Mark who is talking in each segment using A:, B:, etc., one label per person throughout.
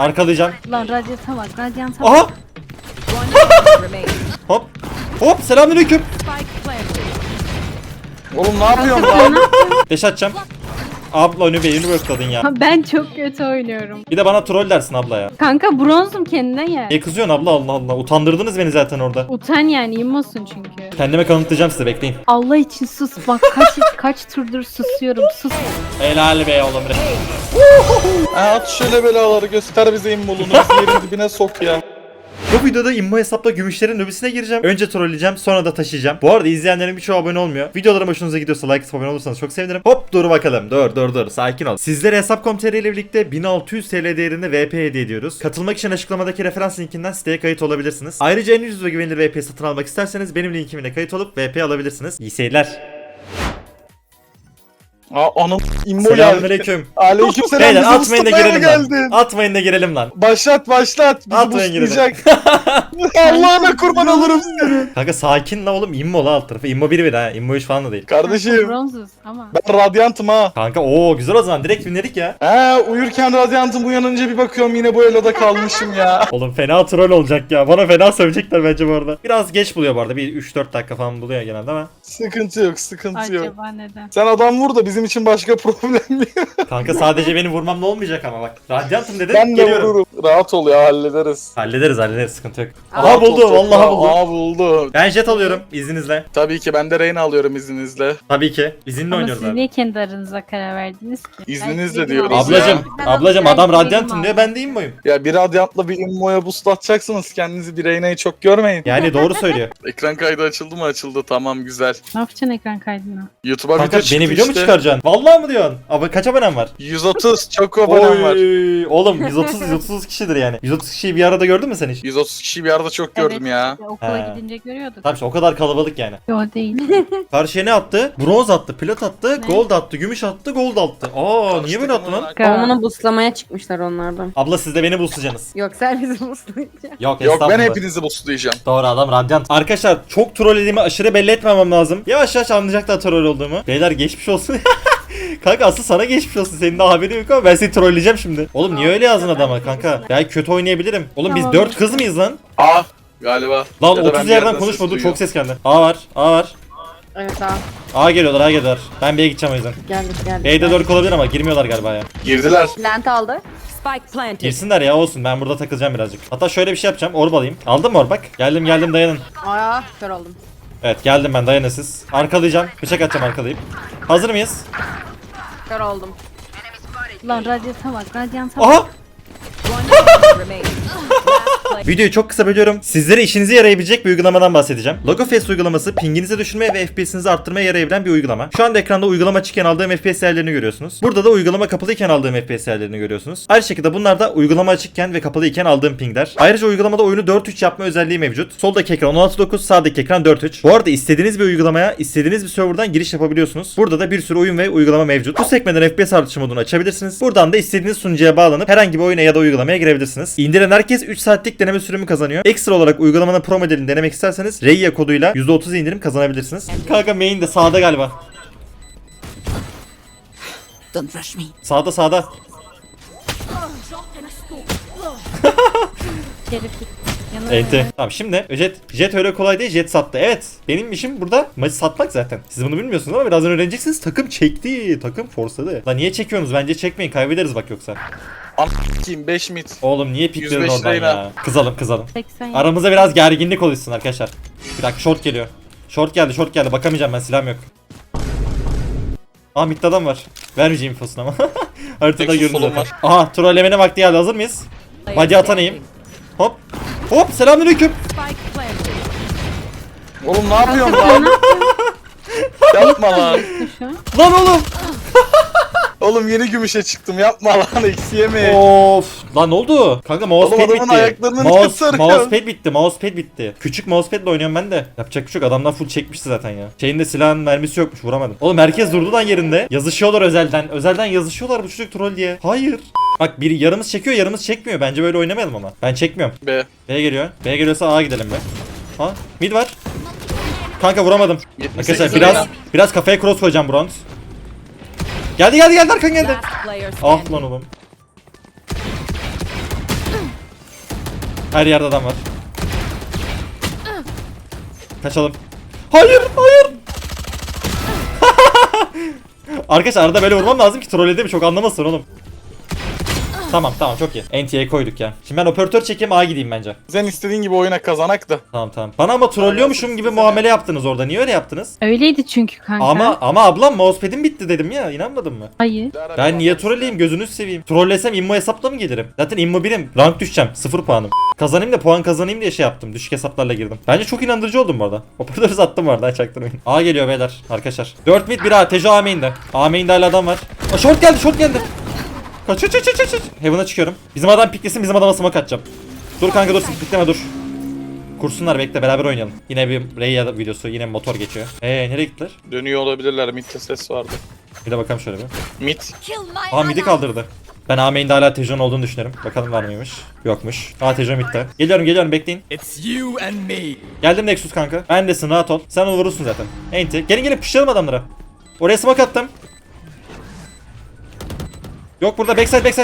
A: Arkalayacağım.
B: Lan radyata bak, radyanta
A: Aha!
B: bak.
A: Hop. Hop selamünaleyküm.
C: Oğlum ne yapıyorsun lan?
A: Deş atacağım. Abla önü beynini bökladın ya.
B: Ha, ben çok kötü oynuyorum.
A: Bir de bana troll dersin abla ya.
B: Kanka bronzum, kendine gel.
A: Niye kızıyorsun abla, Allah Allah. Utandırdınız beni zaten orada.
B: Utan yani, immosun çünkü.
A: Kendime kanıtlayacağım size, bekleyin.
B: Allah için sus bak, kaç turdur susuyorum, sus.
A: Helal be oğlum.
C: At şöyle belaları, göster bize immolunu, bizi yerin dibine sok ya.
A: Bu videoda immo hesapla gümüşlerin lobisine gireceğim. Önce trolleyeceğim, sonra da taşıyacağım. Bu arada izleyenlerin birçoğu abone olmuyor. Videolarım hoşunuza gidiyorsa like atıp abone olursanız çok sevinirim. Hop dur bakalım. Dur. Sakin ol. Sizlere Hesap.com.tr ile birlikte 1600 TL değerinde VP hediye ediyoruz. Katılmak için açıklamadaki referans linkinden siteye kayıt olabilirsiniz. Ayrıca en ucuz ve güvenilir VP satın almak isterseniz benim linkimle kayıt olup VP alabilirsiniz. İyi seyirler.
C: Anam immo geldi.
A: Selamünaleyküm.
C: Aleykümselam.
A: Beyler
C: bizi
A: atmayın da
C: ısıtmaya
A: girelim
C: mı
A: lan. Atmayın da girelim lan.
C: Başlat. Bizi
A: Atmayın girelim.
C: boostlayacak. Allah'ına kurban olurum seni.
A: Kanka sakin la oğlum, immo la alt tarafı. İmmo 1 ha. İmmo 3 falan da değil.
C: Kardeşim
B: Bronzuz ama.
C: ben radyantım ha.
A: Kanka ooo güzel o zaman, direkt binledik ya.
C: Uyurken radyantım, uyanınca bir bakıyorum yine bu eloda kalmışım ya.
A: Oğlum fena troll olacak ya. Bana fena sövecekler bence bu arada. Biraz geç buluyor bu arada. Bir 3-4 dakika falan buluyor genelde ama.
C: Sıkıntı yok.
B: Acaba neden?
C: Sen adam vur da bizim için başka problem yok.
A: Kanka sadece beni vurmam ne olmayacak ama bak. Radyantım dedin.
C: Ben de
A: Geliyorum.
C: vururum. Rahat ol ya, hallederiz.
A: Hallederiz sıkıntı yok. Aha
C: Rahat ol
A: buldu,
C: çok
A: vallahi
C: ya.
A: buldu.
C: Buldu.
A: Ben jet alıyorum izninizle.
C: Tabii ki ben de Reyna alıyorum izninizle.
A: Tabii ki. İzinle
B: Ama
A: oynuyoruz
B: siz
A: abi.
B: niye kendi aranıza karar verdiniz ki?
C: İzninizle
B: Ben
C: diyoruz
B: dedim
C: ya.
A: Ablacım
B: Ben
A: adam
B: dedim
A: radyantım
B: abi.
A: diyor, ben deyim boyum.
C: Ya bir radyantla bir immoya boost atacaksınız, kendinizi bir Reyna'yı çok görmeyin.
A: Yani doğru söylüyor.
C: Ekran kaydı açıldı mı? Açıldı, tamam güzel.
B: Ne yapacaksın ekran kaydına?
C: YouTube'a
A: Kanka
C: video çıktı
A: beni video mu
C: işte.
A: çıkaracaksın? Vallahi mı diyorsun? Abi kaç abonem var?
C: 130 çok abonem var.
A: Oy, oğlum 130 kişidir yani. 130 kişiyi bir arada gördün mü sen hiç?
C: 130 kişiyi bir arada çok gördüm ya.
B: işte okula
A: He.
B: gidince görüyorduk.
A: Tamam işte o kadar kalabalık yani.
B: Yo değil.
A: Karşıya ne attı? Bronz attı, plat attı,
B: Ne?
A: gold attı, gümüş attı, gold attı. Aa niye böyle attı lan?
D: Babamını buslamaya çıkmışlar onlardan.
A: Abla siz de beni boostlayacaksınız.
D: Yok sen bizi buslayacaksın.
A: Yok
C: Yok ben
A: estağfurullah.
C: hepinizi boostlayacağım.
A: Doğru adam radyant. Arkadaşlar çok trollediğimi aşırı belli etmemem lazım. Yavaş yavaş anlayacaklar troll olduğumu. Beyler geçmiş olsun. Kanka asıl sana geçmiş olsun. Senin daha haberin yok ama ben seni trolleyeceğim şimdi. Oğlum niye öyle yazdın adama kanka? Belki kötü oynayabilirim. Oğlum biz
B: Tamam.
A: 4 kız mıyız lan?
C: Galiba.
A: Lan
C: Ya da ben
A: 30
C: bir
A: yerden
C: yerden
A: konuşmadı.
C: ses
A: Çok ses geldi. A var.
D: Evet abi.
A: A geliyorlar. Ben B'ye gideceğim o yüzden.
D: Geldik.
A: B'de lurk olabilir ama girmiyorlar galiba ya.
C: Girdiler.
D: Lent aldı.
E: Spike planted.
A: Girsinler ya, olsun. Ben burada takılacağım birazcık. Hatta şöyle bir şey yapacağım. Orb alayım. Aldın mı orb bak? Geldim dayanın.
D: Aa kör oldum.
A: Evet geldim ben, dayanın siz. Arkalayacağım. Bıçak atacağım arkalayıp. Hazır mıyız?
D: Kör oldum.
B: Lan radyata bak, radyanta bak.
A: Aha!
E: Remain.
A: Videoyu çok kısa bölüyorum. Sizlere işinize yarayabilecek bir uygulamadan bahsedeceğim. LogoFest uygulaması pinginizi düşürmeye ve FPS'inizi arttırmaya yarayabilen bir uygulama. Şu anda ekranda uygulama açıkken aldığım FPS değerlerini görüyorsunuz. Burada da uygulama kapalıyken aldığım FPS değerlerini görüyorsunuz. Aynı şekilde bunlar da uygulama açıkken ve kapalıyken aldığım pingler. Ayrıca uygulamada oyunu 4:3 yapma özelliği mevcut. Soldaki ekran 16:9, sağdaki ekran 4:3. Bu arada istediğiniz bir uygulamaya, istediğiniz bir serverdan giriş yapabiliyorsunuz. Burada da bir sürü oyun ve uygulama mevcut. Bu sekmeden FPS artışı modunu açabilirsiniz. Buradan da istediğiniz sunucuya bağlanıp herhangi bir oyuna ya da uygulamaya girebilirsiniz. İndiren herkes 3 saatlik deneme sürümü kazanıyor. Ekstra olarak uygulamanın pro modelini denemek isterseniz Reya koduyla %30 indirim kazanabilirsiniz. Kanka main de sağda galiba.
E: Don't rush me.
A: Sağda.
B: Şerif git. Yanına
A: Enti. Tamam şimdi jet öyle kolay değil, jet sattı. Evet benim işim burada maçı satmak zaten. Siz bunu bilmiyorsunuz ama birazdan öğreneceksiniz. Takım çekti. Takım forsladı. Lan niye çekiyorsunuz? Bence çekmeyin, kaybederiz bak yoksa.
C: Kim 5 mid.
A: Oğlum niye pikliyorsun
C: 105
A: oradan
C: Reyna.
A: ya? Kızalım.
B: 80.
A: Aramızda biraz gerginlik oluşsun arkadaşlar. Bir dakika short geliyor. Short geldi. Bakamayacağım ben, silahım yok. Aa midde adam var. Vermeyeceğim infosunu ama. Haritada
C: Nexus
A: görünüyor
C: solum
A: zaten. Aha trollemene vakti geldi, hazır mıyız? Body atanayım. Hop selamünaleyküm.
E: Spike planted.
C: Oğlum ne yapıyorsun lan? Yapma lan.
B: Şu an.
A: Lan oğlum.
C: Oğlum yeni gümüşe çıktım, yapma lan, eksi yeme.
A: Of. Lan ne oldu? Kanka mousepad
C: Oğlum adamın
A: bitti.
C: ayaklarını niye sarıyorsun?
A: Mousepad bitti. Küçük mousepadle oynuyorum ben de. Yapacak bir şey yok. Adamlar full çekmişti zaten ya. Şeyin de silahın mermisi yokmuş, vuramadım. Oğlum herkes durdu lan yerinde. Yazışıyorlar özelden. Özelden yazışıyorlar bu çocuk troll diye. Hayır. Bak biri yarımız çekiyor, yarımız çekmiyor. Bence böyle oynamayalım ama. Ben çekmiyorum.
C: Be.
A: B geliyor. B geliyorsa A gidelim be. Ha? Mid var. Kanka vuramadım.
C: 78
A: Arkadaşlar biraz kafaya cross koyacağım bronz. Geldi arkan geldi.
E: Last player
A: Ah
E: standing.
A: lan oğlum. Her yerde adam var. Kaçalım. Hayır, hayır. Arkadaşlar arada böyle vurmam lazım ki trollediğimi çok anlamasın oğlum. Tamam tamam çok iyi. NT'ye koyduk ya. Şimdi ben operatör çekeyim A gideyim bence.
C: Sen istediğin gibi oyuna kazanak da.
A: Tamam tamam. Bana ama trollüyormuşum gibi muamele yaptınız orada. Niye öyle yaptınız?
B: Öyleydi çünkü kanka.
A: Ama ablam mousepad'im bitti dedim ya. İnanmadın mı?
B: Hayır.
A: Ben niye trolleyim gözünüzü seveyim. Trollesem immo hesapla mı gelirim? Zaten immo birim. Rank düşeceğim. 0 puanım. Kazanayım da puan kazanayım diye şey yaptım. Düşük hesaplarla girdim. Bence çok inandırıcı oldum bu arada. Operatörü sattım bu arada. Çaktırmayın. A geliyor beyler. Arkadaşlar. 4 mid 1 A. Tejo A main'de. A main'de hala adam var. Aa, short geldi short geldi. Kaç. Heaven'a çıkıyorum. Bizim adam piklesin bizim adama smoke atacağım. Dur kanka dur pikleme dur. Kursunlar bekle beraber oynayalım. Yine bir Reyya videosu yine motor geçiyor. Nereye gittiler?
C: Dönüyor olabilirler. Mid'de ses vardı.
A: Bir de bakalım şöyle bir.
C: Mid.
A: Aa midi kaldırdı. Ben A main'de hala Tejon olduğunu düşünüyorum. Bakalım var mıymış? Yokmuş. Aa Tejon midde. Geliyorum bekleyin.
F: It's you and me.
A: Geldim Nexus kanka. Bendesin rahat ol. Sen onu vurursun zaten. Enti. Gelin pushlayalım adamlara. Oraya smoke attım. Yok burada backside.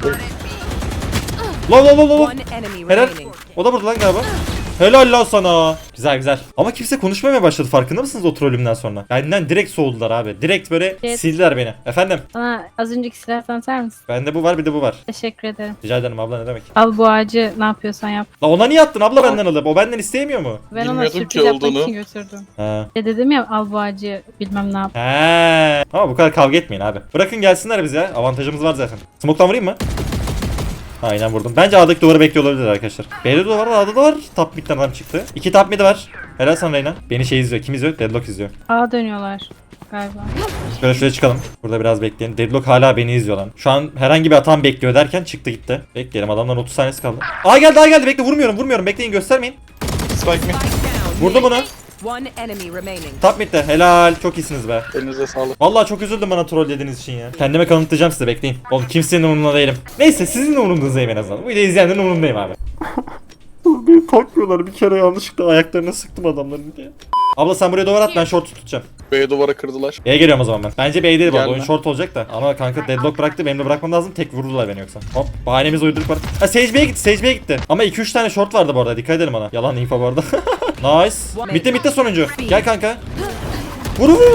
A: Low.
E: One enemy
A: Helal.
E: remaining.
A: O da burada lan galiba. Helal lan sana. Güzel. Ama kimse konuşmamaya başladı farkında mısınız o trollümden sonra? Benden direkt soğudular abi. Direkt böyle
B: Evet.
A: sildiler beni. Efendim?
B: Bana az önceki silahtan atar mısın?
A: Bende bu var bir de bu var.
B: Teşekkür ederim.
A: Rica ederim abla ne demek?
B: Al bu ağacı ne yapıyorsan yap.
A: La ona niye attın abla benden alıp? O benden isteyemiyor mu?
B: Ben ona
C: Bilmiyordum
B: sürpriz
C: ki
B: yapmak
C: olduğunu.
B: için götürdüm.
A: Ha.
B: Dedim ya al bu ağacı bilmem ne yap.
A: He. Ama bu kadar kavga etmeyin abi. Bırakın gelsinler biz ya. Avantajımız var zaten. Smoke'tan vurayım mı? Aynen vurdum. Bence A'daki duvarı bekliyor olabilir arkadaşlar. B'de de var, A'da da var. Top mid'den adam çıktı. 2 top mid var. Helal sana Reyna. Beni şey izliyor. Kim izliyor? Deadlock izliyor.
B: Ağa dönüyorlar galiba.
A: Şöyle şuraya çıkalım. Burada biraz bekleyin. Deadlock hala beni izliyor lan. Şu an herhangi bir hatam bekliyor derken çıktı gitti. Bekleyelim adamdan 30 saniyesi kaldı. A geldi. Bekle vurmuyorum. Bekleyin göstermeyin.
C: Spike mid.
A: Vurdum bunu.
E: One enemy remaining.
A: Top mid'de. Helal. Çok iyisiniz be.
C: Elinize sağlık.
A: Vallahi çok üzüldüm bana troll dediğiniz için ya. Kendime kanıtlayacağım size bekleyin. Oğlum kimsenin umurunda değilim. Neyse sizin de umurundazdayım en azından. Bu videoyu izleyenlerin umurundayım abi. Beni takmıyorlar bir kere yanlışlıkla ayaklarına sıktım adamların diye. Abla sen buraya duvar at ben short tutacağım.
C: B'ye duvara kırdılar.
A: B'ye geliyorum o zaman ben. Bence B'ye değil bu arada
C: Gelme.
A: oyun short olacak da. Ama kanka deadlock bıraktı benim de bırakmam lazım. Tek vurdular beni yoksa. Hop bahanemiz uyduruk var. Ha Sage B'ye gitti. Ama 2-3 tane short vardı bu arada dikkat edelim ona. Yalan info bu arada. Nice. Mitte sonuncu. Gel kanka. Vur.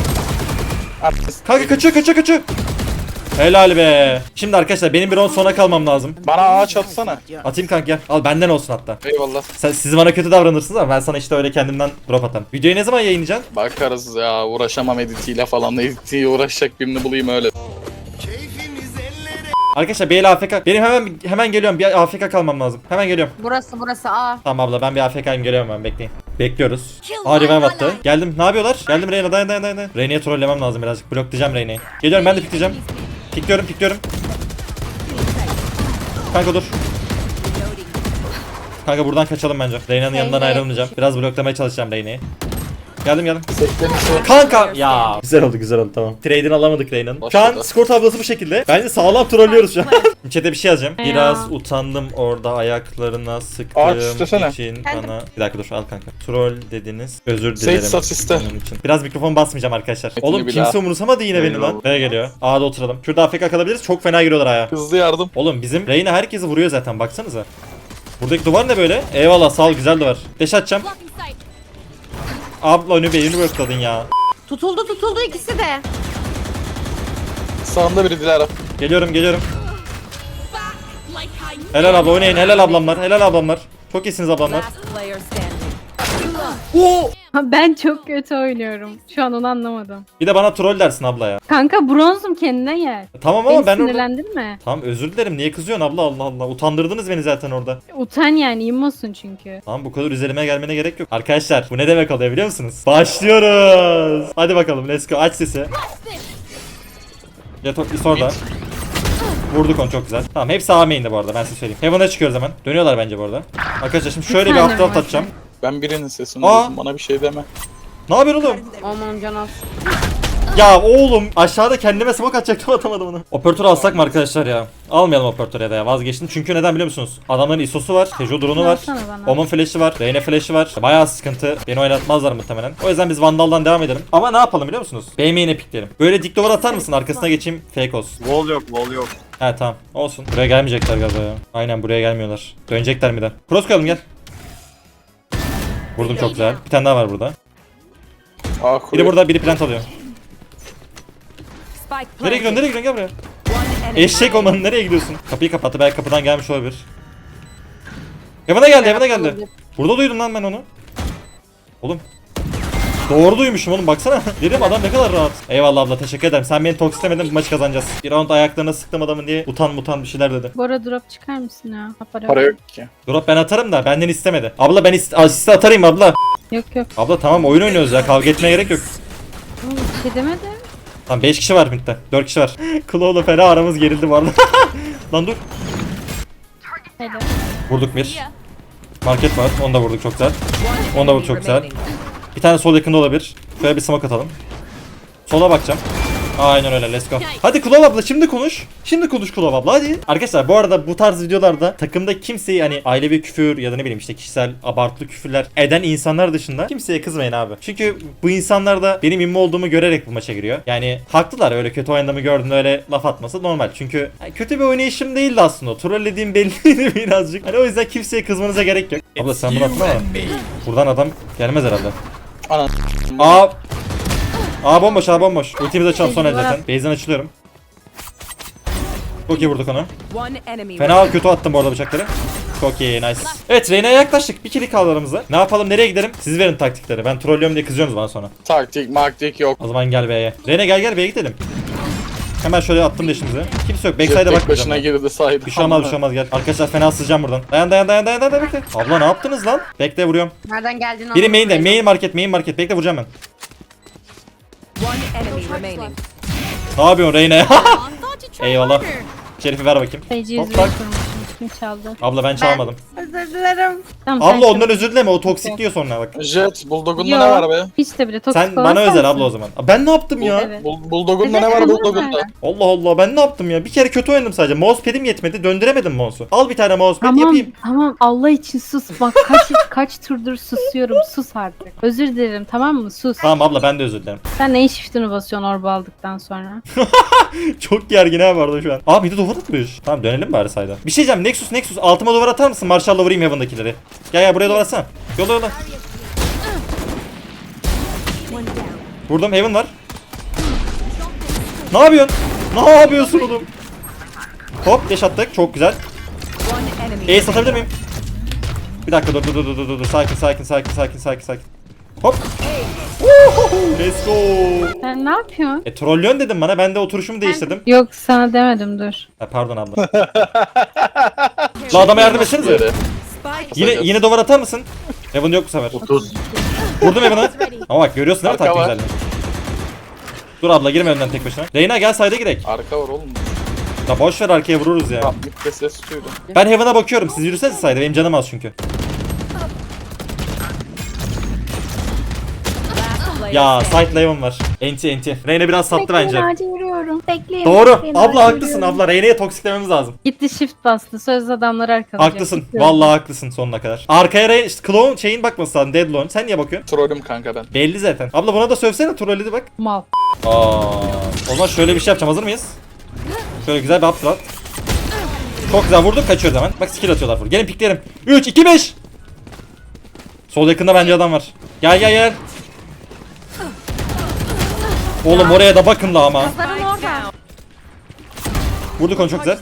A: Kanka kaçıyor. Helal be. Şimdi arkadaşlar benim bir 10 sona kalmam lazım.
C: Bana ağaç atsana.
A: Atayım kanka gel. Al benden olsun hatta.
C: Eyvallah.
A: Siz bana kötü davranırsınız ama ben sana işte öyle kendimden drop atarım. Videoyu ne zaman yayınlayacaksın?
C: Bakarız ya, uğraşamam editiyle falan. Editiyle uğraşacak birini bulayım öyle.
A: Arkadaşlar BL AFK. Benim hemen geliyorum. Bir AFK kalmam lazım. Hemen geliyorum.
D: Burası A.
A: Tamam abla ben bir AFK'yim geliyorum ben bekleyin. Bekliyoruz. Revive attı. Geldim. Ne yapıyorlar? Geldim Reyna dayan. Reyna'yı trollemem lazım birazcık. Bloklayacağım Reyna'yı. Geliyorum ben de pikleyeceğim. Pikliyorum. Kanka dur. Kanka buradan kaçalım bence. Reyna'nın yanından ayrılmayacağım. Biraz bloklamaya çalışacağım Reyna'yı. Geldim. Kanka ya. Güzel oldu tamam. Trade'ini alamadık Reyna'nın. Şu an
C: Başladı.
A: skor tablosu bu şekilde. Bence sağlam trollüyoruz şu an. Chat'e bir şey yazacağım.
B: Ya.
A: Biraz utandım orada ayaklarına
C: Ağaç
A: sıktığım
C: istesene.
A: için bana... Bir dakika dur al kanka. Troll dediniz. Özür
C: Sage
A: dilerim.
C: sat iste.
A: Onun için. Biraz mikrofon basmayacağım arkadaşlar.
C: Etini
A: Oğlum
C: bir
A: kimse
C: daha.
A: umursamadı yine beni lan.
C: Eyvallah.
A: Nereye geliyor? A'da oturalım. Şurada AFK kalabiliriz. Çok fena giriyorlar A'ya.
C: Hızlı yardım.
A: Oğlum bizim Reyna herkesi vuruyor zaten baksanıza. Buradaki duvar ne böyle? Eyvallah sağ ol güzel duvar. Deş atacağım. Abla önü beyni bırakladın ya.
D: Tutuldu ikisi de.
C: Sağında biri Dilara.
A: Geliyorum. Helal abla oynayın helal ablamlar. Çok iyisiniz ablamlar.
E: Last player standing.
B: Ha, ben çok kötü oynuyorum. Şu an onu anlamadım.
A: Bir de bana troll dersin abla ya.
B: Kanka bronzum kendine gel.
A: Tamam
B: Beni
A: ama ben orada...
B: sinirlendirme.
A: Tamam özür dilerim niye kızıyorsun abla Allah. Utandırdınız beni zaten orada.
B: Utan yani immosun çünkü.
A: Tamam bu kadar üzerime gelmene gerek yok. Arkadaşlar bu ne demek oluyor biliyor musunuz? Başlıyoruz. Hadi bakalım let's go aç sesi. Yatok orada. Vurduk onu çok güzel. Tamam hepsi A main'de bu arada ben size söyleyeyim. Heaven'a çıkıyoruz hemen. Dönüyorlar bence bu arada. Arkadaşlar şimdi şöyle bir
B: tane
A: aptal
B: var.
A: atacağım.
C: Ben birinin sesini
A: Aa.
C: duydum. Bana bir şey deme.
A: Ne yapıyorsun oğlum?
D: Aman can az.
A: Ya oğlum aşağıda kendime smoke atacaktım atamadım onu. Operatörü alsak mı arkadaşlar ya? Almayalım operatörü ya vazgeçtim. Çünkü neden biliyor musunuz? Adamların ISO'su var, Tejo drone'u var,
B: Alsana bana.
A: Omen flash'ı var, Reyna flash'ı var. Bayağı sıkıntı. Beni oynatmazlar muhtemelen. O yüzden biz Vandal'dan devam edelim. Ama ne yapalım biliyor musunuz? BM'ine pikleyelim. Böyle dik duvar atar mısın? Arkasına geçeyim. Fake olsun.
F: Wall yok, wall yok.
A: He tamam. Olsun. Buraya gelmeyecekler galiba ya. Aynen buraya gelmiyorlar. Dönecekler mi de? Cross koyalım gel. Vurdum çok güzel. Bir tane daha var burada.
C: Aa,
A: Biri
C: kuruyor.
A: burada, biri plant alıyor.
E: Spike
A: Nereye gidiyorsun?
E: planted.
A: Nereye gidiyorsun? Gel buraya.
E: One enemy
A: Eşek olmanın nereye gidiyorsun? Kapıyı kapattı. Belki kapıdan gelmiş olabilir. Evine geldi, evine geldi. Burada duydum lan ben onu. Oğlum. Doğru duymuşum oğlum baksana. Dedim adam ne kadar rahat. Eyvallah abla teşekkür ederim. Sen beni tokslemedin bu maçı kazanacağız. Bir round ayaklarına sıktım adamın diye utan bir şeyler dedi.
B: Bora drop çıkar mısın ya? Ha,
C: Para yok ki.
A: Drop ben atarım da benden istemedi. Abla ben asiste atarım abla.
B: Yok yok.
A: Abla tamam oyun oynuyoruz ya kavga etmeye gerek yok.
B: Oğlum bir şey demedim.
A: Tamam 5 kişi var midde. 4 kişi var. Claw'la fena aramız gerildi bu arada. Lan dur.
B: Helal.
A: Vurduk bir. Market var. Onu da vurduk çok güzel.
E: One
A: Onda bu
E: enemy
A: çok güzel.
E: remaining.
A: Bir tane sol yakında olabilir. Şöyle bir smoke atalım. Sola bakacağım. Aynen öyle let's go. Hadi Kulov abla şimdi konuş. Şimdi konuş Kulov abla hadi. Arkadaşlar bu arada bu tarz videolarda takımda kimseyi hani ailevi küfür ya da ne bileyim işte kişisel abartılı küfürler eden insanlar dışında kimseye kızmayın abi. Çünkü bu insanlar da benim immi olduğumu görerek bu maça giriyor. Yani haklılar öyle kötü oynadığımı gördüğünde öyle laf atması normal. Çünkü kötü bir oynayışım değildi aslında. Trollediğim belliydi birazcık. Hani o yüzden kimseye kızmanıza gerek yok. Abla sen bunu atma ama. Buradan adam gelmez herhalde.
C: Anan.
A: Aa bomboş aa bomboş. Ultimizi açalım son el zaten. Base'den açılıyorum. Çok iyi vurduk onu.
E: One enemy
A: Fena kötü attım bu arada bıçakları. Çok iyi nice. Evet Reyna'ya yaklaştık. Bir kill kaldı aramızda. Ne yapalım nereye gidelim? Siz verin taktikleri. Ben trollüyorum diye kızıyorsunuz bana sonra.
C: Taktik maktik yok.
A: O zaman gel B'ye. Reyna gel B'ye gidelim. Hemen şöyle attım deşimizi. Kimse yok.
C: Jet
A: Backside'e
C: tek
A: bakmayacağım.
C: başına
A: ben.
C: girdi saydı.
A: Bir şey olmaz bir şey olmaz gel. Arkadaşlar fena sızacağım buradan. Dayan bekle. Abla ne yaptınız lan? Bekle vuruyorum.
D: Nereden geldiğini
A: Biri
D: anlamadım.
A: main market. Bekle vuracağım ben.
E: One enemy remaining.
A: Ne yapıyorsun Reyna ya? Eyvallah. Şerif'i ver bakayım.
B: Sayıcı
A: Hop,
B: yüzüğü
A: bak.
B: kurmuşum. Kim çaldı?
A: Abla ben çalmadım.
D: Özür dilerim.
B: Tamam, sen
A: Abla ondan
B: çal.
A: özür dileme o toksik diyor sonra bak.
C: Jet Bulldog'unda
B: Yo,
C: ne var be?
B: Hiç de bile toksik
A: Sen
B: olan
A: bana özel
B: sensin.
A: abla o zaman. Ben ne yaptım ya?
B: Evet.
C: Bulldog'unda ne var
B: Evet,
C: Bulldog'unda?
B: evet.
A: Allah Allah ben ne yaptım ya? Bir kere kötü oynadım sadece. Mousepad'im yetmedi. Döndüremedim mouse'u. Al bir tane mousepad
B: Tamam
A: yapayım.
B: tamam Allah için sus. Bak kaç turdur susuyorum. Sus artık. Özür dilerim tamam mı? Sus.
A: Tamam abla ben de özür dilerim.
B: Sen neyin shift'ini basıyorsun orba aldıktan sonra?
A: Çok gergin ha vardı şu an. Aa bir de duvar atmış. Tamam dönelim bari sayda. Bir şey diyeceğim. Nexus altıma duvar atar mısın? Marshall'la vurayım Heaven'dakileri. Gel buraya duvar atsana. Yola. Vurdum Heaven var. Ne yapıyorsun? Ne yapıyorsun oğlum? Hop deş attık. Çok güzel.
E: One enemy.
A: Ace atabilir miyim? Bir dakika dur. Sakin. Hop. Woohoo, let's go.
B: Sen ne yapıyorsun?
A: Trollyon dedim bana. Ben de oturuşumu değiştirdim.
B: Yok sana demedim dur.
A: Ha, pardon abla. La adama yardım etsenize.
C: Yere.
E: Spike
A: Yine duvar atar mısın? Heaven yok bu sefer.
F: 30.
A: Vurdum Heaven'a. Ama bak görüyorsun değil mi
C: Arka
A: taktik
C: var.
A: güzelliğini? Dur abla girme önden tek başına. Reyna gel side'e girek.
C: Arka var oğlum.
A: La boş ver arkaya vururuz ya.
C: Tamam bir ses duydu.
A: Ben Heaven'a bakıyorum. Siz yürüsenize side'e. Benim canım az çünkü. Ya side Heaven var. Enti. Reyna biraz sattı bence.
B: Acil yürüyorum. Bekleyin.
A: Doğru.
B: bekleyin,
A: Abla
B: acil
A: haklısın
B: yürüyorum.
A: abla. Reyna'ya toksiklememiz lazım.
B: Gitti shift bastı. Sözde adamları arkalayacak.
A: Haklısın.
B: Gitti.
A: Vallahi haklısın sonuna kadar. Arkaya işte Clone şeyin bakması lazım. Deadlone. Sen niye bakıyorsun?
C: Trollüm kanka ben.
A: Belli zaten. Abla buna da sövsene. Trolledi bak.
B: Mal.
A: O zaman şöyle bir şey yapacağım. Hazır mıyız? Şöyle güzel bir upthrow. Çok güzel vurduk. Kaçıyoruz hemen. Bak skill atıyorlar full. Gelin piklerim. 3, 2, 5. Sol yakında bence adam var. Gel. Oğlum oraya da bakın la ama.
D: Kızların orada.
A: Vurduk onu çok güzel.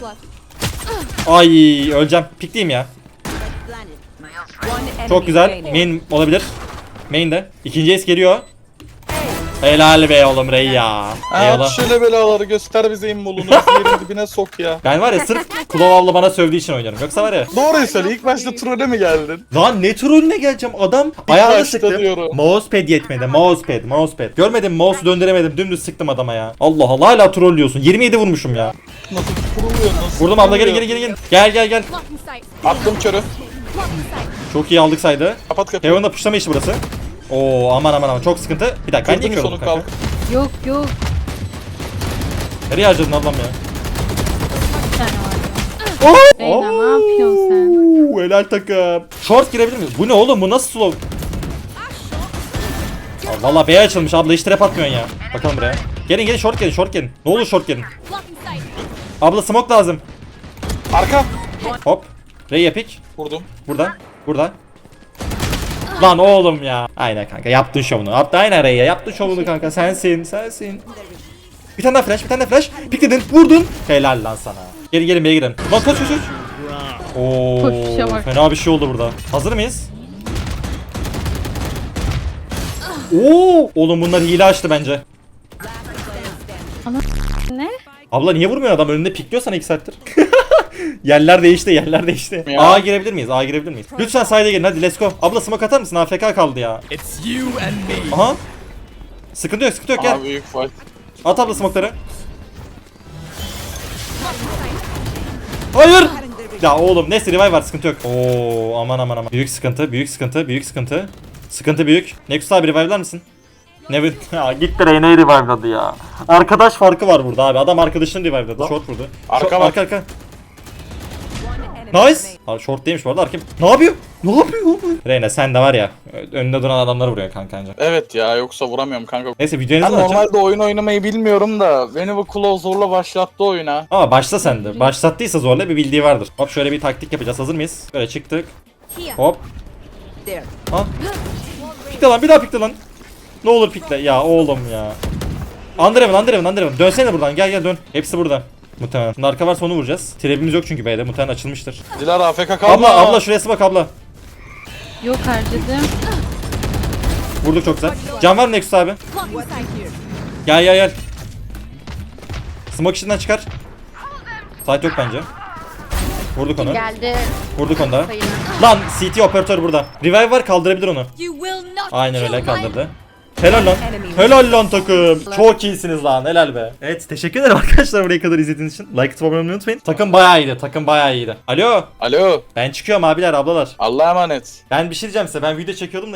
A: Ay öleceğim. Pikleyeyim ya.
E: One enemy
A: Çok güzel.
E: remaining.
A: Main olabilir. Main de. İkinci ace geliyor. Helal be oğlum Rey ya.
C: Ha
A: Eyvallah.
C: şöyle belaları göster bize immolunu. Bizi yerin dibine sok ya.
A: Ben var ya sırf Klov abla bana sövdüğü için oynuyorum. Yoksa var ya.
C: Doğruyu söyle ilk başta trolle mi geldin?
A: Lan ne trollüne geleceğim adam ayağını
C: başta
A: sıktım.
C: diyorum.
A: Mousepad yetmedi. Mousepad. Görmedim mouse'u döndüremedim. Dümdüz sıktım adama ya. Allah Allah hala trollüyorsun. 27 vurmuşum ya.
C: Nasıl kuruluyor nasıl?
A: Vurdum abla
C: kuruluyor?
A: gelin. Gel.
C: Attım körü.
A: Çok iyi aldık saydı.
C: Kapat kapıyı.
A: Heaven'da pushlama işi burası. Oo aman çok sıkıntı. Bir dakika ben niye
C: Kırdın
A: kırıldım
C: sonu
A: kanka?
C: kalk.
B: Yok yok.
A: Nereye harcadın ablam ya?
B: Bir tane var.
A: Oh!
B: Reyna ne yapıyorsun sen?
A: Helal takım. Short girebilir miyiz? Bu ne oğlum? Bu nasıl slow? Aa, valla B açılmış abla, hiç trap atmıyorsun ya. Bakalım buraya. Gelin gelin, short gelin, short gelin. Ne olur short gelin. Abla smoke lazım.
C: Arka.
A: Hop. Ray epic.
C: Vurdum.
A: Burada. Burada. Lan oğlum ya. Aynen kanka, yaptın şovunu. Yaptın aynen Ray ya. Yaptın şovunu kanka. Sensin. Bir tane daha flash, bir tane daha flash. Pikledin, vurdun. Helal lan sana. Gelin gelin B'ye girelim. Lan koş. Oo,
B: Koşuşa bak.
A: fena bir şey oldu burada. Hazır mıyız? Oo, oğlum bunlar hile açtı bence.
B: Ne?
A: Abla niye vurmuyor adam? Önünde pikliyor sana 2 saattir. Yerler değişti.
C: Ya.
A: A'ya girebilir miyiz? Lütfen side'e gelin, hadi let's go. Abla smoke atar mısın? AFK kaldı ya. Aha. Sıkıntı yok gel.
C: Aa büyük fight.
A: At abla smoke'ları. Hayır. Ya oğlum neyse, revive var, sıkıntı yok. Oo aman. Büyük sıkıntı. Sıkıntı büyük. Nexus abi revive'lar mısın? Nevin ya gitti, Reyna'yı revive'ladı ya. Arkadaş farkı var burada abi. Adam arkadaşını revive'ladı. Short vurdu.
C: Arka var.
A: Arka.
E: One enemy
A: Nice. Abi short değilmiş bu arada, arka. Ne yapıyor? Reyna sen de var ya, önünde duran adamları vuruyor kanka anca.
C: Evet ya, yoksa vuramıyorum kanka.
A: Neyse videoyu ne
C: Ben
A: zaman açacağım?
C: normalde oyun oynamayı bilmiyorum da beni bu Claw zorla başlattı oyuna.
A: Ama başla sen de. Başlattıysa zorla bir bildiği vardır. Hop şöyle bir taktik yapacağız. Hazır mıyız? Böyle çıktık. Hop.
E: there.
A: Ha. Pikle lan, bir daha pikle lan. Ne olur pikle. Ya oğlum ya. Underhaven. Dönsene buradan. Gel dön. Hepsi burada. Muhtemelen. Şimdi arka varsa onu vuracağız. Trebimiz yok çünkü B'de. Muhtemelen açılmıştır.
C: Dilara AFK kalma.
A: Abla şuraya bak abla.
B: Yok harcadım.
A: Vurduk çok güzel. Can var mı Nexus abi? Gel. Smoke içinden çıkar. Site yok bence. Vurduk onu.
D: Geldi.
A: Vurduk onu da.
D: Sayına.
A: Lan CT operatör burada. Revive var, kaldırabilir onu. Aynen öyle, kaldırdı. Helal lan takım. Çok iyisiniz lan, helal be. Evet, teşekkür ederim arkadaşlar buraya kadar izlediğiniz için. Like atıp abone olmayı unutmayın. Takım bayağı iyiydi. Alo.
C: Alo.
A: Ben çıkıyorum abiler ablalar.
C: Allah'a emanet.
A: Ben bir şey diyeceğim size. Ben video çekiyordum da